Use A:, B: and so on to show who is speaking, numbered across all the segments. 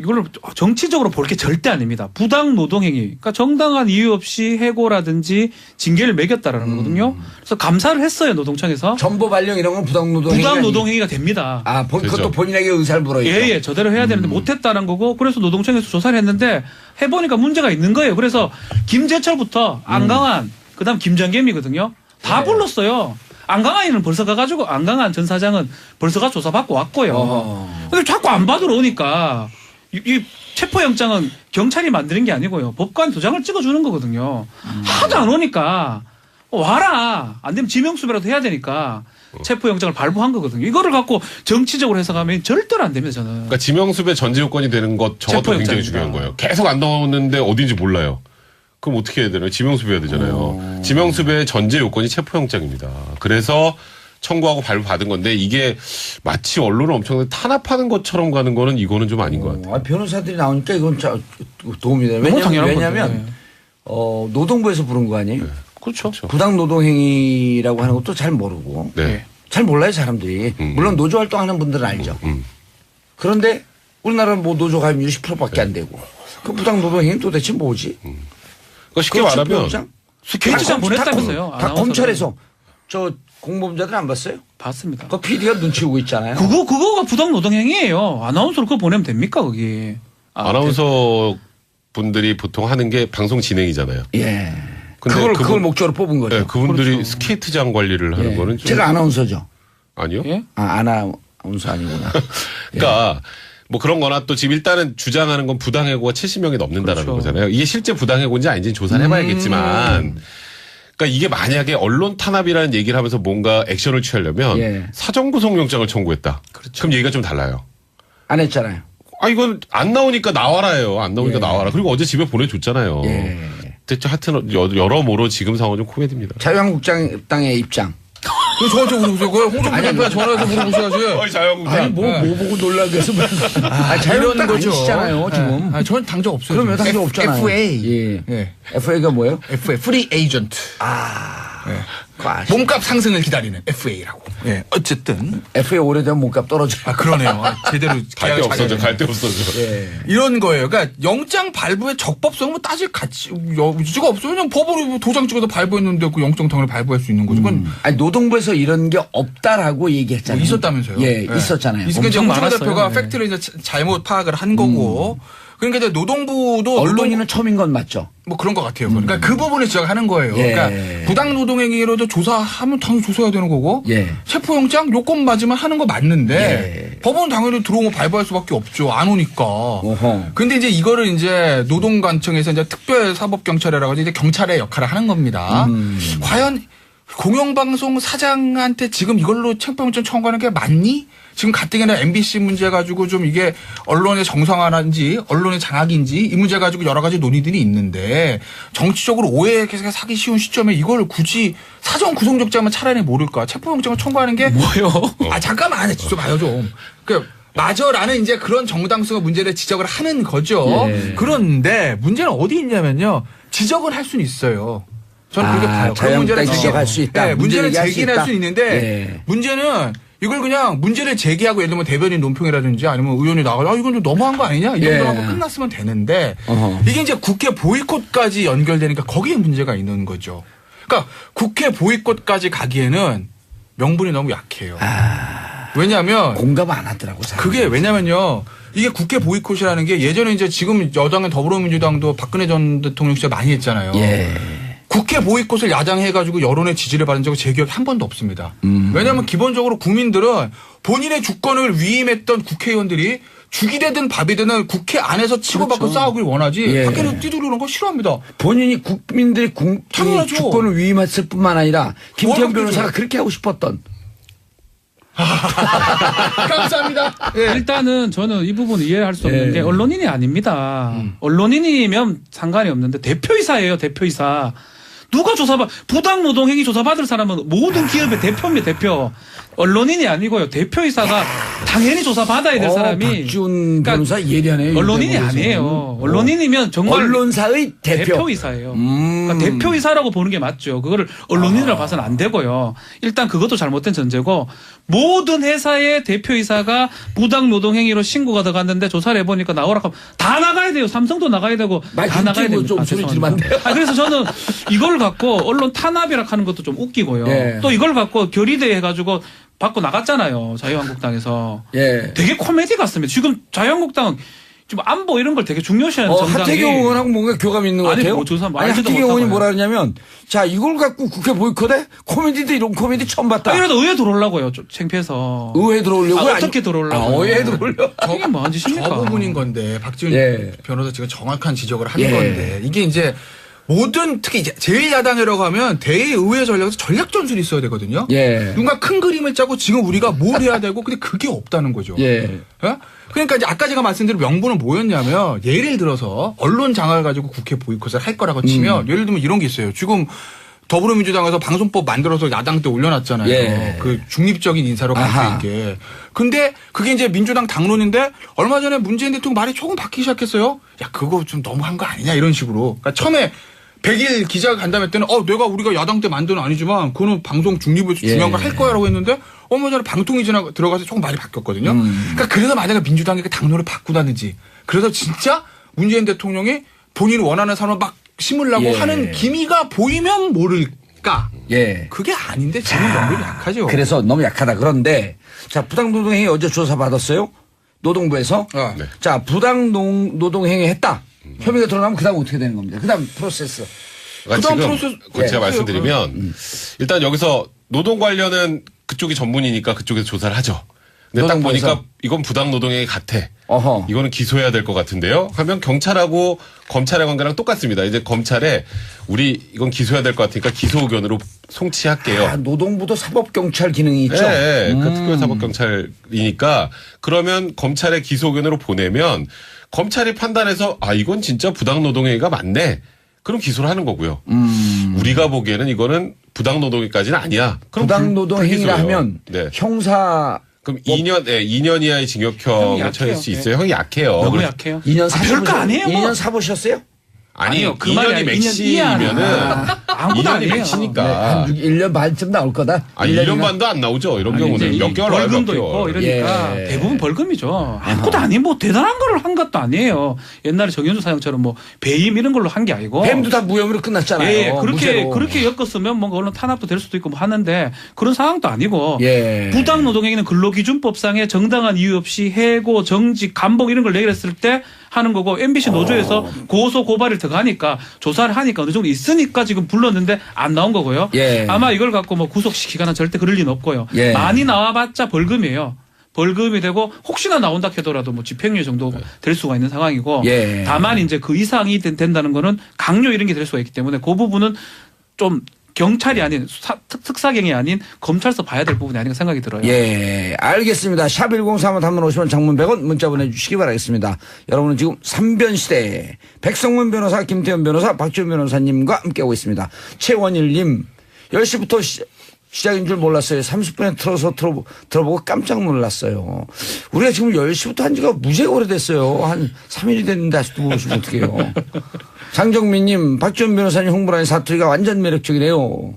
A: 이걸 정치적으로 볼 게 절대 아닙니다. 부당 노동행위. 그러니까 정당한 이유 없이 해고라든지 징계를 매겼다라는 거거든요. 그래서 감사를 했어요, 노동청에서.
B: 전보 발령 이런 건 부당 노동행위.
A: 부당 노동행위가 됩니다.
B: 아, 그것도 본인에게 의사를 물어야죠.
A: 예, 저대로 해야 되는데 못했다는 거고, 그래서 노동청에서 조사를 했는데 해보니까 문제가 있는 거예요. 그래서 김재철부터 안강한, 그다음 김정겸이거든요. 다 불렀어요. 안강한이는 벌써 가가지고 안강한 전 사장은 벌써 가 조사받고 왔고요. 근데 자꾸 안 받으러 오니까 이 체포영장은 경찰이 만드는 게 아니고요. 법관 도장을 찍어주는 거거든요. 하도 안 오니까 와라. 안 되면 지명수배라도 해야 되니까 체포영장을 발부한 거거든요. 이거를 갖고 정치적으로 해석하면 절대로 안 됩니다, 저는.
C: 그러니까 지명수배 전제 요건이 되는 것 저것도 굉장히 중요한 거예요. 계속 안 나오는데 어딘지 몰라요. 그럼 어떻게 해야 되나요? 지명수배해야 되잖아요. 지명수배의 전제 요건이 체포영장입니다. 그래서 청구하고 발부받은 건데 이게 마치 언론을 엄청나게 탄압하는 것처럼 가는 거는 이거는 좀 아닌 것 같아요.
B: 변호사들이 나오니까 이건 도움이 돼요. 왜냐하면 노동부에서 부른 거 아니에요?
C: 네.
A: 그렇죠.
B: 부당 노동행위라고 하는 것도 잘 모르고
C: 네.
B: 잘 몰라요 사람들이. 물론 노조 활동하는 분들은 알죠. 그런데 우리나라는 뭐 노조 가입률 10%밖에 안 되고 그 부당 노동행위 도대체 뭐지?
C: 그러니까 쉽게 말하면
A: 스케치장 보냈다면서요.
B: 다 검찰에서 저 공범자들 안 봤어요?
A: 봤습니다.
B: 그 PD가 눈치 보고 있잖아요.
A: 그거가 부당 노동행위예요. 아나운서로 그거 보내면 됩니까 거기?
C: 아나운서 분들이 보통 하는 게 방송 진행이잖아요.
B: 예.
C: 근데
B: 그걸 목적으로 뽑은 거죠.
C: 네, 그분들이
A: 그렇죠.
C: 스케이트장 관리를 하는 거는 좀
B: 제가 아나운서죠.
C: 아니요.
A: 예?
B: 아나운서 아니구나.
C: 그러니까 뭐 그런 거나 또 지금 일단은 주장하는 건 부당해고가 70명이 넘는다라는
A: 그렇죠.
C: 거잖아요. 이게 실제 부당해고인지 아닌지는 조사를 해봐야겠지만 그러니까 이게 만약에 언론 탄압이라는 얘기를 하면서 뭔가 액션을 취하려면
B: 예.
C: 사전구속영장을 청구했다.
A: 그렇죠.
C: 그럼 얘기가 좀 달라요.
B: 안 했잖아요.
C: 아 이건 안 나오니까 나와라예요. 안 나오니까
B: 예.
C: 나와라. 그리고 어제 집에 보내줬잖아요.
B: 예.
C: 대체 하여튼 여러모로 지금 상황은 좀 코미디입니다.
B: 자유한국당의 입장.
D: 저한테 물어보세요. 홍준표 대표가 전화해서 물어보셔야지.
C: 자유한국당.
B: 아니 뭐 보고 놀라게 해서 자유한국당 아니시잖아요 지금.
D: 아, 저는 당적 없어요.
B: 그러면 당적 없잖아요.
D: FA.
B: 예.
D: 예.
B: FA가 뭐예요?
D: FA, 프리 에이전트. 몸값 상승을 기다리는 FA라고. 예. 어쨌든.
B: FA 오래되면 몸값 떨어져요.
D: 아, 그러네요. 제대로
C: 갈 데 없어져. 갈 데 없어져.
D: 이런 거예요. 그러니까 영장 발부의 적법성은 뭐 따질 여지가 없어요. 그냥 법으로 도장 찍어서 발부했는데 그 영장 당연히 발부할 수 있는 거죠. 그건
B: 아니 노동부에서 이런 게 없다라고 얘기했잖아요.
D: 뭐 있었다면서요.
B: 예, 있었잖아요.
D: 있으니까 이제
A: 엄청
D: 홍준표
A: 많았어요.
D: 대표가
A: 네.
D: 팩트를 이제 잘못 파악을 한 거고. 그러니까 이제 노동부도
B: 언론인은 처음인 건 맞죠.
D: 뭐 그런 것 같아요. 그러니까 그 부분을 지적하는 거예요.
B: 예.
D: 그러니까 부당 노동행위로도 조사하면 당연히 조사해야 되는 거고
B: 예.
D: 체포영장 요건 맞으면 하는 거 맞는데
B: 예.
D: 법원은 당연히 들어오면 발부할 수밖에 없죠. 안 오니까.
B: 어허.
D: 근데 이제 이거를 이제 노동관청에서 이제 특별사법경찰이라고 이제 경찰의 역할을 하는 겁니다. 과연 공영방송 사장한테 지금 이걸로 체포영장 청구하는 게 맞니? 지금 가뜩이나 MBC 문제 가지고 좀 이게 언론의 정상화인지 언론의 장악인지 이 문제 가지고 여러 가지 논의들이 있는데 정치적으로 오해가 사기 쉬운 시점에 이걸 굳이 사전 구속영장만 차라리 모를까 체포영장을 청구하는 게
A: 뭐요?
D: 아 잠깐만 진짜 봐요 좀. 맞아라는 이제 그런 정당성의 문제를 지적을 하는 거죠.
B: 예.
D: 그런데 문제는 어디 있냐면요. 지적을 할 수는 있어요. 저는 그렇게 봐요. 그런 문제를
B: 지적할 수 있다.
D: 네, 문제를
B: 얘기할 수
D: 제기할
B: 있다.
D: 수 있는데
B: 예.
D: 문제는 이걸 그냥 문제를 제기하고 예를 들면 대변인 논평이라든지 아니면 의원이 나가서 이건 좀 너무한 거 아니냐 이 정도로 하고 끝났으면 되는데
B: 어허.
D: 이게 이제 국회 보이콧까지 연결되니까 거기에 문제가 있는 거죠. 그러니까 국회 보이콧까지 가기에는 명분이 너무 약해요. 왜냐하면
B: 공감 안 하더라고. 사람들이.
D: 그게 왜냐면요. 이게 국회 보이콧이라는 게 예전에 이제 지금 여당의 더불어민주당도 박근혜 전 대통령 시절 많이 했잖아요.
B: 예.
D: 국회 보이콧을 야당해가지고 여론의 지지를 받은 적은 제 기억에 한 번도 없습니다. 왜냐하면 기본적으로 국민들은 본인의 주권을 위임했던 국회의원들이 죽이 되든 밥이 되든 국회 안에서 치고받고
B: 그렇죠.
D: 싸우길 원하지
B: 예.
D: 밖에서 뛰두르는 거 싫어합니다.
B: 본인이 국민들의
D: 당연하죠.
B: 주권을 위임했을 뿐만 아니라 김태현
D: 월급도
B: 변호사가
D: 줘요.
B: 그렇게 하고 싶었던.
D: 감사합니다. 예.
A: 일단은 저는 이 부분 이해할 수 없는
B: 예.
A: 게 언론인이 아닙니다. 언론인이면 상관이 없는데 대표이사예요, 대표이사. 누가 조사받, 부당노동행위 조사받을 사람은 모든 기업의 대표입니다, 대표. 언론인이 아니고요. 대표이사가 당연히 조사받아야 될 사람이.
B: 박지훈 변호사 예리하네요.
A: 언론인이 아니에요. 언론인이면 정말
B: 언론사의 대표.
A: 대표이사예요. 그러니까 대표이사라고 보는 게 맞죠. 그거를 언론인이라고 봐서는 안 되고요. 일단 그것도 잘못된 전제고 모든 회사의 대표이사가 부당 노동행위로 신고가 들어갔는데 조사를 해보니까 나오라 하면 다 나가야 돼요. 삼성도 나가야 되고 다 나가야 됩니다.
B: 좀 소리 지르면 안 돼요.
A: 그래서 저는 이걸 갖고 언론 탄압이라 하는 것도 좀 웃기고요.
B: 예.
A: 또 이걸 갖고 결의대 해가지고 받고 나갔잖아요. 자유한국당에서.
B: 예.
A: 되게 코미디 같습니다. 지금 자유한국당은 지금 안보 이런 걸 되게 중요시하는 정당이.
B: 하태경 의원하고 뭔가 교감이 있는 것
A: 아니,
B: 같아요.
A: 뭐 조사
B: 아니,
A: 말지도
B: 하태경 의원이
A: 못하고요.
B: 뭐라 그러냐면 자 이걸 갖고 국회 보이콧해? 코미디도 이런 코미디 처음 봤다.
A: 이러다 의회 들어오려고요. 좀 창피해서.
B: 의회 들어오려고?
A: 어떻게 들어오려고?
B: 의회 들어오려고?
A: 이게 뭐한 짓입니까?
D: 저 부분인 건데 박지훈
B: 예.
D: 변호사 지금 정확한 지적을 한
B: 예.
D: 건데 이게 이제 모든 특히 이제 제1야당이라고 하면 대의회 전략에서 전략 전술이 있어야 되거든요.
B: 예.
D: 누군가 큰 그림을 짜고 지금 우리가 뭘 해야 되고 근데 그게 없다는 거죠.
B: 예.
D: 예? 그러니까 이제 아까 제가 말씀드린 명분은 뭐였냐면 예를 들어서 언론 장악을 가지고 국회 보이콧을 할 거라고 치면 예를 들면 이런 게 있어요. 지금 더불어민주당에서 방송법 만들어서 야당 때 올려놨잖아요.
B: 예.
D: 그 중립적인 인사로 갈
B: 아하.
D: 수 있게. 근데 그게 이제 민주당 당론인데 얼마 전에 문재인 대통령 말이 조금 바뀌기 시작했어요. 야 그거 좀 너무한 거 아니냐 이런 식으로. 그러니까 처음에 100일 기자가 간담회 때는 내가 우리가 야당 때 만든 건 아니지만 그거는 방송 중립을 중요한 걸 할 거야라고 했는데 얼마 전에 방통위 들어가서 조금 말이 바뀌었거든요. 그러니까 그래서 만약에 민주당이 그 당론을 바꾸다든지 그래서 진짜 문재인 대통령이 본인이 원하는 사람을 막 심으려고
B: 예.
D: 하는 기미가 보이면 모를까.
B: 예.
D: 그게 아닌데 지금 너무 약하죠.
B: 그래서 너무 약하다. 그런데 자 부당노동행위 어제 조사 받았어요. 노동부에서.
C: 네.
B: 자 부당노동행위 했다. 혐의가 드러나면 그다음 어떻게 되는 겁니다. 그다음 프로세스.
C: 그러니까
D: 그다음
C: 지금
D: 프로세스-
C: 제가
D: 예.
C: 말씀드리면 일단 여기서 노동 관련은 그쪽이 전문이니까 그쪽에서 조사를 하죠. 근데 딱
B: 노동부에서?
C: 보니까 이건 부당노동행위 같아.
B: 어허.
C: 이거는 기소해야 될 것 같은데요. 하면 경찰하고 검찰의 관계랑 똑같습니다. 이제 검찰에 우리 이건 기소해야 될 것 같으니까 기소 의견으로 송치할게요.
B: 아, 노동부도 사법경찰 기능이 있죠.
C: 네, 그 특별사법경찰이니까 그러면 검찰의 기소 의견으로 보내면 검찰이 판단해서 이건 진짜 부당노동행위가 맞네. 그럼 기소를 하는 거고요. 우리가 보기에는 이거는 부당노동행위까지는 아니야. 그럼
B: 부당노동행위라
C: 불기소예요.
B: 하면
C: 네.
B: 형사
C: 그럼 2년 이하의
A: 형이
C: 징역형에
A: 약해요.
C: 처할 수 있어요. 형이 약해요.
A: 너무
C: 그래서
A: 약해요.
B: 2년
A: 별거 아니에요.
B: 2년 사보셨어요?
C: 아니요.
A: 그 말이
C: 2년이
A: 아니라
C: 맥시면은
A: 아무것도
C: 2년이
A: 아니에요.
C: 맥시니까.
B: 한 1년 반쯤 나올 거다.
C: 1년 반도 안 나오죠. 이런
A: 아니,
C: 경우는
A: 이제
C: 몇 개월 안에
A: 벌금도
C: 바뀌어.
A: 있고 이러니까
B: 예.
A: 대부분 벌금이죠. 아무것도 아니에요. 뭐 대단한 거를 한 것도 아니에요. 옛날에 정현주 사장처럼 뭐 배임 이런 걸로 한 게 아니고.
B: 뱀도 다 무혐의로 끝났잖아요.
A: 예,
B: 무죄로.
A: 그렇게 엮었으면 뭔가 언론 탄압도 될 수도 있고 뭐 하는데 그런 상황도 아니고
B: 예.
A: 부당노동행위는 근로기준법상의 정당한 이유 없이 해고, 정직, 감봉 이런 걸 내렸을 때 하는 거고 MBC 노조에서 고소 고발을 들어가니까 조사를 하니까 어느 정도 있으니까 지금 불렀는데 안 나온 거고요.
B: 예.
A: 아마 이걸 갖고 뭐 구속시키거나 절대 그럴 리는 없고요.
B: 예.
A: 많이 나와봤자 벌금이에요. 벌금이 되고 혹시나 나온다 해더라도 뭐 집행유예 정도 될 수가 있는 상황이고
B: 예.
A: 다만 이제 그 이상이 된다는 거는 강요 이런 게 될 수가 있기 때문에 그 부분은 좀 경찰이 아닌 특사경이 아닌 검찰서 봐야 될 부분이 아닌가 생각이 들어요.
B: 예, 알겠습니다. 샵 1035 단문 50원 장문 100원 문자 보내주시기 바라겠습니다. 여러분은 지금 3변 시대 백성문 변호사, 김태현 변호사, 박지훈 변호사님과 함께하고 있습니다. 최원일님 10시부터 시작인 줄 몰랐어요. 30분에 들어보고 깜짝 놀랐어요. 우리가 지금 10시부터 한 지가 무지하게 오래됐어요. 한 3일이 됐는데 아직도 모르시면 어떡해요. 장정민님, 박지훈 변호사님 홍보라니 사투리가 완전 매력적이네요.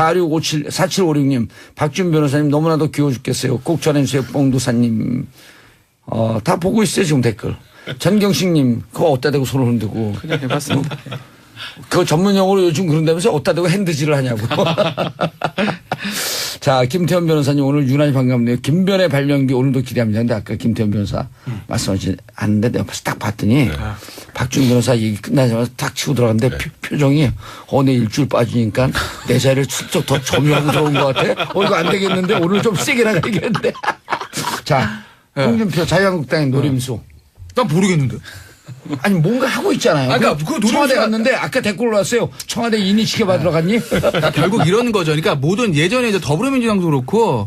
B: 4756님, 박지훈 변호사님 너무나도 귀여워 죽겠어요. 꼭 전해주세요. 뽕두사님. 다 보고 있어요, 지금 댓글. 전경식님, 그거 어디다 대고 손을 흔들고.
A: 그냥 해봤습니다.
B: 그거 전문 용어로 요즘 그런다면서 어디다 대고 핸드질을 하냐고. 자, 김태현 변호사님 오늘 유난히 반갑네요. 김변의 발령기 오늘도 기대합니다. 근데 아까 김태현 변호사 말씀하지 않는데 내가 딱 봤더니 박준 변호사 얘기 끝나자마자 딱 치고 들어갔는데 표정이 내 일주일 빠지니까 내 자리를 슬쩍 더 점유하고 들어온 것 같아. 이거 안 되겠는데 오늘 좀 세게 나가야겠는데. 자, 홍준표 자유한국당의 노림수.
D: 난 모르겠는데.
B: 아니 뭔가 하고 있잖아요.
D: 아까 그
B: 청와대
D: 노림수가-
B: 갔는데 아까 댓글 올라왔어요. 청와대 인이 시켜받으러 갔니?
D: 그러니까 결국 이런 거죠. 그러니까 모든 예전에 이제 더불어민주당도 그렇고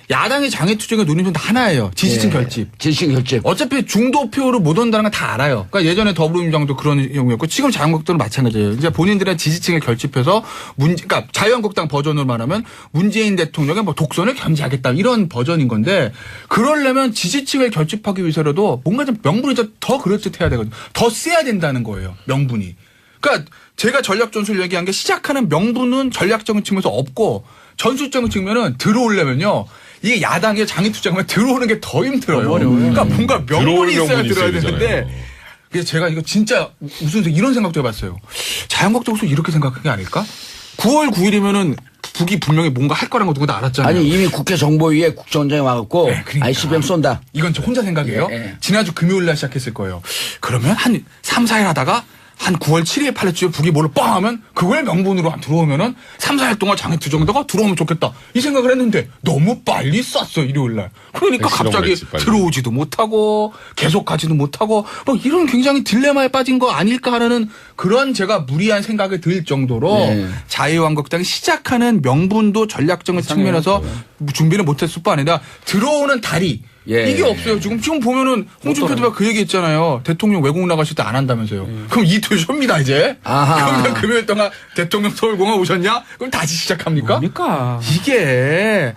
D: 야당의 장애투쟁의 논의는 하나예요. 지지층 결집.
B: 지지층 결집.
D: 어차피 중도표로 못 온다는 건 다 알아요. 그러니까 예전에 더불어민주당도 그런 경우였고 지금 자유한국당도 마찬가지예요. 이제 본인들의 지지층을 결집해서 그러니까 자유한국당 버전으로 말하면 문재인 대통령의 뭐 독선을 견제하겠다 이런 버전인 건데 그러려면 지지층을 결집하기 위해서라도 뭔가 좀 명분이 더 그럴듯해야 되거든요. 더 세야 된다는 거예요. 명분이. 그러니까 제가 전략 전술 얘기한 게 시작하는 명분은 전략적인 측면에서 없고 전술적인 측면은 들어오려면요. 이게 야당의 장애투쟁하면 들어오는 게 더 힘들어요. 그러니까 뭔가 명분이 있어야 들어야 되는데 그래서 제가 이거 진짜 무슨 이런 생각도 해봤어요. 자유한국당에서 이렇게 생각한 게 아닐까? 9월 9일이면은 북이 분명히 뭔가 할 거라는 거 누구나 알았잖아요.
B: 아니 이미 국회 정보위에 국정원장이 와갖고
D: 네, 그러니까.
B: ICBM 쏜다.
D: 이건 저 혼자 생각이에요.
B: 예.
D: 지난주 금요일 날 시작했을 거예요. 그러면 한 3, 4일 하다가 한 9월 7일, 8일쯤에 북이 뭘로 뻥 하면 그걸 명분으로 들어오면은 3, 4일 동안 장애투쟁다가 들어오면 좋겠다. 이 생각을 했는데 너무 빨리 쐈어, 일요일 날. 그러니까 갑자기
C: 했지, 빨리.
D: 들어오지도 못하고 계속 가지도 못하고 뭐 이런 굉장히 딜레마에 빠진 거 아닐까 하는 그런 제가 무리한 생각이 들 정도로
B: 네.
D: 자유한국당이 시작하는 명분도 전략적인 측면에서 준비를 못했을 뿐 아니라 들어오는 다리
B: 예.
D: 이게 없어요. 지금 보면은 홍준표 대표가 그 얘기 했잖아요. 대통령 외국 나가실 때 안 한다면서요. 그럼 이틀 쉽니다 이제.
B: 아하.
D: 그러면 금요일 동안 대통령 서울공항 오셨냐? 그럼 다시 시작합니까?
A: 뭡니까?
D: 이게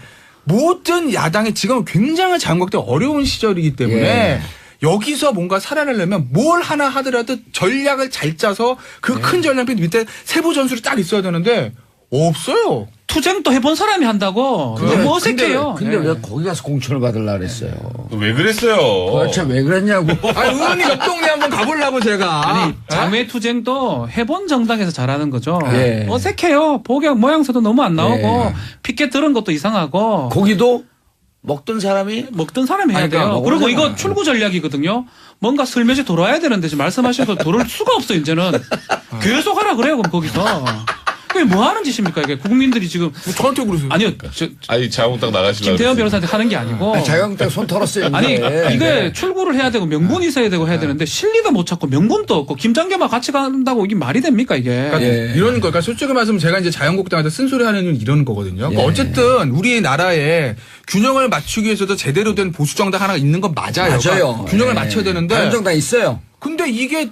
D: 모든 야당이 지금 굉장히 자유한국당 어려운 시절이기 때문에
B: 예.
D: 여기서 뭔가 살아내려면 뭘 하나 하더라도 전략을 잘 짜서 그 큰 전략 밑에 세부 전술이 딱 있어야 되는데 없어요.
A: 투쟁도 해본 사람이 한다고. 너무 어색해요.
B: 근데
A: 예.
B: 왜 거기 가서 공천을 받으려고 그랬어요?
C: 왜 그랬어요?
B: 도대체 왜 그랬냐고.
D: 아니 의원님 옆 동네 한번 가보려고 제가.
A: 아니 장외투쟁도 해본 정당에서 잘하는 거죠.
B: 예.
A: 어색해요. 복약 모양새도 너무 안 나오고
B: 예.
A: 피켓 들은 것도 이상하고
B: 고기도 먹던 사람이
A: 먹던 사람이 해야
B: 아니, 그러니까
A: 돼요. 그리고
B: 먹으려면.
A: 이거 출구 전략이거든요. 뭔가 슬며시 돌아야 되는데 지금 말씀하신 거 돌을 수가 없어 이제는. 계속 하라 그래요 그럼 거기서. 그게 뭐 하는 짓입니까 이게 국민들이 지금.
D: 뭐 저한테 그러세요.
A: 아니요.
C: 아니 자유한국당 나가시려고
A: 김태현
C: 그랬어요.
A: 변호사한테 하는 게 아니고.
B: 자유한국당 손 털었어요.
A: 아니
B: 이제.
A: 이게 출구를 해야 되고 명분이 있어야 되고 해야 되는데 실리도 못 찾고 명분도 없고 김장겸과 같이 간다고 이게 말이 됩니까 이게.
D: 그러니까
B: 예.
D: 이런 거, 그러니까 솔직히 말하면 제가 이제 자유한국당한테 쓴소리하는 이유는 이런 거거든요. 그러니까
B: 예.
D: 어쨌든 우리나라에 균형을 맞추기 위해서도 제대로 된 보수 정당 하나가 있는 건 맞아요.
B: 맞아요.
D: 그러니까 균형을
B: 예.
D: 맞춰야 되는데.
B: 다른 정당 있어요.
D: 근데 이게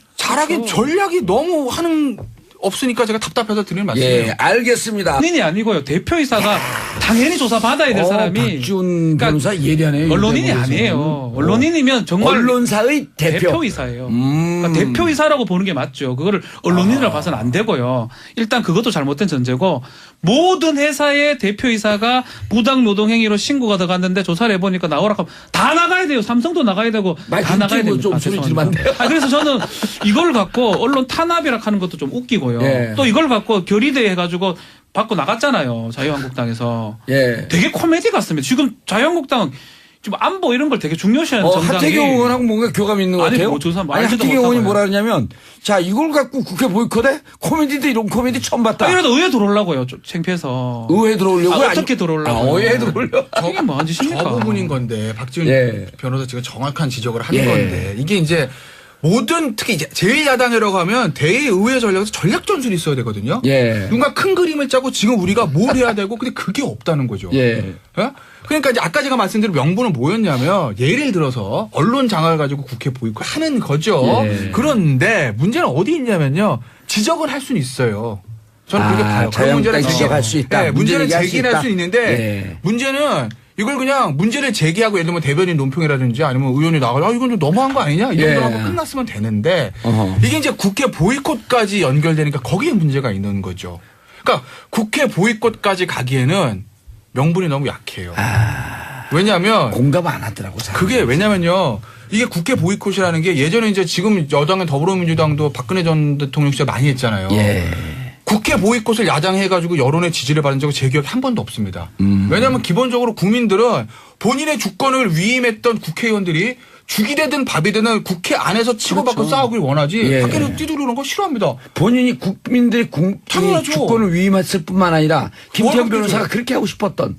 D: 잘하긴 전략이 너무 하는 없으니까 제가 답답해서 드리는 말씀이에요.
B: 예, 알겠습니다.
A: 언론인이 아니고요. 대표이사가 당연히 조사받아야 될 사람이
B: 박지훈
A: 그러니까
B: 변호사 예리하네요.
A: 언론인이
B: 이 대목에서는.
A: 아니에요. 언론인이면 정말
B: 언론사의 대표.
A: 대표이사예요. 그러니까 대표이사라고 보는 게 맞죠. 그거를 언론인이라고 봐서는 안 되고요. 일단 그것도 잘못된 전제고 모든 회사의 대표이사가 부당 노동행위로 신고가 들어갔는데 조사를 해보니까 나오라 하면 다 나가야 돼요. 삼성도 나가야 되고
B: 말
A: 다 나가야
B: 좀
A: 됩니다.
B: 소리 지르면 안 돼요?
A: 그래서 저는 이걸 갖고 언론 탄압이라 하는 것도 좀 웃기고요.
B: 예.
A: 또 이걸 갖고 결의대 해가지고 받고 나갔잖아요. 자유한국당에서.
B: 예.
A: 되게 코미디 같습니다. 지금 자유한국당 지금 안보 이런 걸 되게 중요시하는 정당이.
B: 하태경 의원하고 뭔가 교감이 있는 것
A: 아니,
B: 같아요.
A: 뭐 조사
B: 아니,
A: 알지도
B: 하태경 의원이
A: 못하고요.
B: 뭐라 그러냐면 자 이걸 갖고 국회 보이콧해? 코미디도 이런 코미디 처음 봤다.
A: 이래도 의회 들어오려고요. 좀 창피해서.
B: 의회 들어오려고?
A: 아, 어떻게 들어오려고?
B: 의회 들어오려고?
A: 이게 뭐한 짓입니까?
D: 저 부분인 건데 박지훈
B: 예.
D: 변호사 지금 정확한 지적을 하는
B: 예.
D: 건데 이게 이제 모든 특히 이제 제1야당이라고 하면 대의회 전략에서 전략 전술이 있어야 되거든요.
B: 예.
D: 뭔가 큰 그림을 짜고 지금 우리가 뭘 해야 되고 근데 그게 없다는 거죠.
B: 예.
D: 예? 그러니까 이제 아까 제가 말씀드린 명분은 뭐였냐면 예를 들어서 언론 장악을 가지고 국회 보이콧하는 거죠.
B: 예.
D: 그런데 문제는 어디 있냐면요. 지적을 할 수는 있어요. 저는 그렇게 봐요. 그런 문제는
B: 자유한국당 지적할 수 있다.
D: 네,
B: 문제
D: 문제는
B: 얘기할 수
D: 제기할
B: 있다.
D: 수 있는데
B: 예.
D: 문제는 이걸 그냥 문제를 제기하고 예를 들면 대변인 논평이라든지 아니면 의원이 나가서 이건 좀 너무한 거 아니냐 이 정도로
B: 예.
D: 하고 끝났으면 되는데
B: 어허.
D: 이게 이제 국회 보이콧까지 연결되니까 거기에 문제가 있는 거죠. 그러니까 국회 보이콧까지 가기에는 명분이 너무 약해요. 왜냐하면
B: 공감 안 하더라고. 사람들이.
D: 그게 왜냐면요. 이게 국회 보이콧이라는 게 예전에 이제 지금 여당의 더불어민주당도 박근혜 전 대통령 시절 많이 했잖아요.
B: 예.
D: 국회 보이콧을 야당해가지고 여론의 지지를 받은 적은 제 기억에 한 번도 없습니다. 왜냐하면 기본적으로 국민들은 본인의 주권을 위임했던 국회의원들이 죽이 되든 밥이 되든 국회 안에서 치고받고
B: 그렇죠.
D: 싸우길 원하지
B: 예.
D: 밖에서 뛰두르는 거 싫어합니다.
B: 본인이 국민들의
D: 당연하죠.
B: 주권을 위임했을 뿐만 아니라 김태현
D: 뭐라고
B: 변호사가
D: 그러죠?
B: 그렇게 하고 싶었던.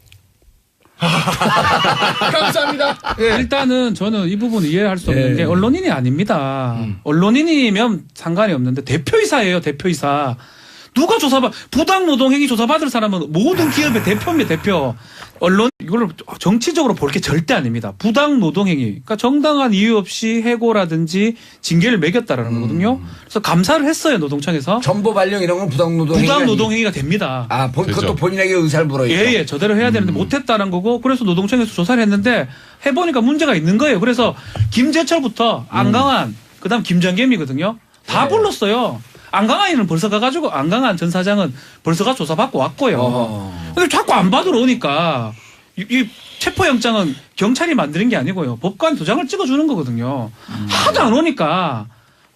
D: 감사합니다. 예.
A: 일단은 저는 이 부분 이해할 수 없는
B: 예.
A: 게 언론인이 아닙니다. 언론인이면 상관이 없는데 대표이사예요. 대표이사. 누가 조사받 부당 노동행위 조사받을 사람은 모든 기업의 대표입니다. 대표. 언론 이걸 정치적으로 볼 게 절대 아닙니다. 부당 노동행위, 그러니까 정당한 이유 없이 해고라든지 징계를 매겼다라는 거거든요. 그래서 감사를 했어요 노동청에서.
B: 전보 발령 이런 건 부당 노동행위.
A: 부당 노동행위가 됩니다.
B: 아, 그것도
C: 그렇죠.
B: 본인에게 의사를 물어야죠.
A: 예, 저대로 해야 되는데 못했다는 거고, 그래서 노동청에서 조사를 했는데 해보니까 문제가 있는 거예요. 그래서 김재철부터 안강한, 그다음 김정겸이거든요. 다 불렀어요. 안강한이는 벌써 가가지고 안강한 전 사장은 벌써 가 조사받고 왔고요. 근데 자꾸 안 받으러 오니까 이 체포영장은 경찰이 만드는 게 아니고요. 법관 도장을 찍어주는 거거든요. 하도 안 오니까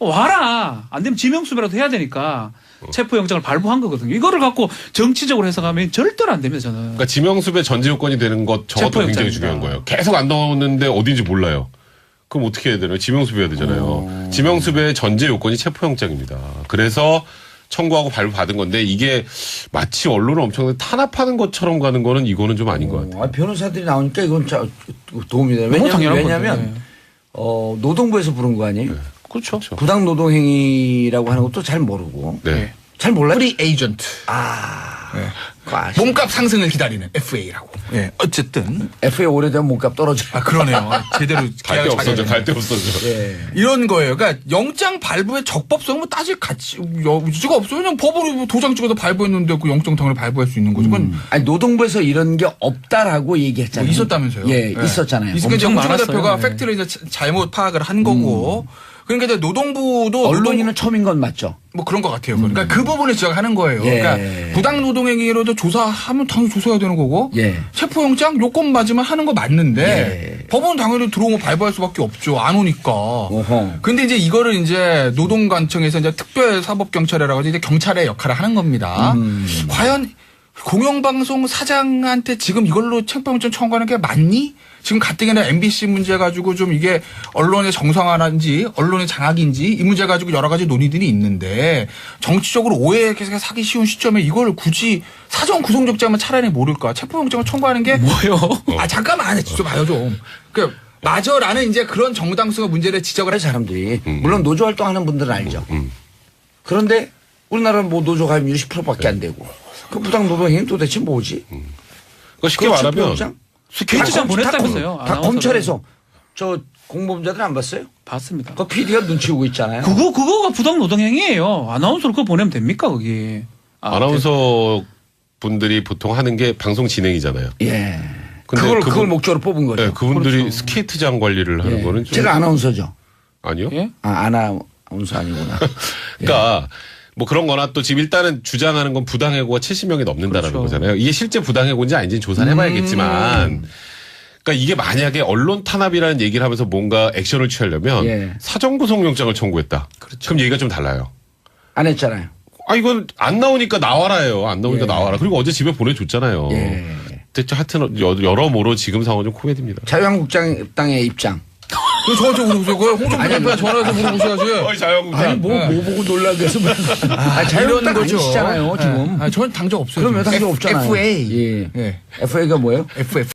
A: 와라. 안 되면 지명수배라도 해야 되니까 체포영장을 발부한 거거든요. 이거를 갖고 정치적으로 해석하면 절대로 안 됩니다. 저는.
C: 그러니까 지명수배 전제 요건이 되는 것 저것도 굉장히
A: 체포영장입니다.
C: 중요한 거예요. 계속 안 나오는데 어딘지 몰라요. 그럼 어떻게 해야 되나요? 지명수배해야 되잖아요. 지명수배의 전제 요건이 체포영장입니다. 그래서 청구하고 발부받은 건데 이게 마치 언론을 엄청나게 탄압하는 것처럼 가는 거는 이거는 좀 아닌 것 같아요.
B: 변호사들이 나오니까 이건 도움이 돼요.
A: 너무 당연한
B: 왜냐하면
A: 건데.
B: 노동부에서 부른 거 아니에요?
A: 그렇죠.
B: 부당 노동행위라고 하는 것도 잘 모르고.
C: 네.
B: 잘 몰라요?
D: 프리 에이전트.
B: 네.
D: 몸값 상승을 기다리는 FA라고. 예. 어쨌든.
B: FA 오래되면 몸값 떨어져요.
D: 아, 그러네요. 제대로
C: 갈 데
D: 계약을
C: 없어져,
D: 잘
C: 갈 데 없어져.
B: 예.
D: 이런 거예요. 그러니까 영장 발부의 적법성은 뭐 따질 여지가 없어요. 그냥 법으로 도장 찍어서 발부했는데 그 영장 당연히 발부할 수 있는 거죠. 그건
B: 아니 노동부에서 이런 게 없다라고 얘기했잖아요.
D: 뭐 있었다면서요.
B: 예, 있었잖아요.
D: 있으니까 이제
A: 엄청
D: 홍준호 대표가
A: 많았어요.
D: 팩트를 이제 잘못 파악을 한 거고. 그러니까 이제 노동부도
B: 언론인은 처음인 건 맞죠.
D: 뭐 그런 것 같아요. 그러니까 그 부분을 지적하는 거예요.
B: 예.
D: 그러니까 부당 노동행위로도 조사하면 당연히 조사해야 되는 거고.
B: 예.
D: 체포영장 요건 맞으면 하는 거 맞는데
B: 예.
D: 법원은 당연히 들어오면 발부할 수밖에 없죠. 안 오니까.
B: 어허.
D: 근데 이제 이거를 이제 노동관청에서 이제 특별사법경찰이라고 해서 이제 경찰의 역할을 하는 겁니다. 과연 공영방송 사장한테 지금 이걸로 체포영장 청구하는 게 맞니? 지금 가뜩이나 MBC 문제 가지고 좀 이게 언론의 정상화인지 언론의 장악인지 이 문제 가지고 여러 가지 논의들이 있는데 정치적으로 오해에 사기 쉬운 시점에 이걸 굳이 사전 구속영장만 차라리 모를까? 체포영장을 청구하는 게
A: 뭐요?
D: 아 잠깐만 좀 봐요 좀. 그 맞아라는 이제 그런 정당성의 문제를 지적을
B: 그래 사람들이 물론 노조 활동하는 분들은 알죠. 그런데 우리나라는 뭐 노조 가입률이 10%밖에 안 되고 그 부당 노동행위 도대체 뭐지?
C: 그러니까 쉽게 말하면
B: 체포영장?
A: 스케치장 보냈다면서요.
B: 다
A: 아나운서가.
B: 검찰에서 저 공범자들 안 봤어요?
A: 봤습니다.
B: 그 PD가 눈치 보고 있잖아요.
A: 그거가 부당 노동행위예요. 아나운서로 그거 보내면 됩니까 거기?
C: 아나운서 분들이 보통 하는 게 방송 진행이잖아요.
B: 예.
C: 근데
B: 그걸 목적으로 뽑은 거죠.
C: 네, 그분들이 스케이트장 관리를 하는
B: 예.
C: 거는 좀
B: 제가 아나운서죠.
C: 아니요.
A: 예?
B: 아나운서 아니구나.
C: 그러니까 뭐 그런 거나 또 지금 일단은 주장하는 건 부당해고가 70명이 넘는다라는
A: 그렇죠.
C: 거잖아요. 이게 실제 부당해고인지 아닌지는 조사를 해봐야겠지만 그러니까 이게 만약에 언론 탄압이라는 얘기를 하면서 뭔가 액션을 취하려면
B: 예.
C: 사전구속영장을 청구했다. 그럼 얘기가 좀 달라요.
B: 안 했잖아요.
C: 아 이건 안 나오니까 나와라예요. 안 나오니까
B: 예.
C: 나와라. 그리고 어제 집에 보내줬잖아요.
B: 예.
C: 대체 하여튼 여러모로 지금 상황은 좀 코미디입니다.
B: 자유한국당의 입장.
D: 그 저한테 물어보세요. 그 홍준표 대표가 전화해서 물어보셔야지.
C: 자유한국당.
B: 아니 뭐 보고 놀라 그래서 자유한국당 아니시잖아요 지금.
D: 저는 당적 없어요.
B: 그럼 왜 당적 없잖아요.
D: FA.
B: 예.
D: 예.
B: FA가 뭐예요?
D: FF.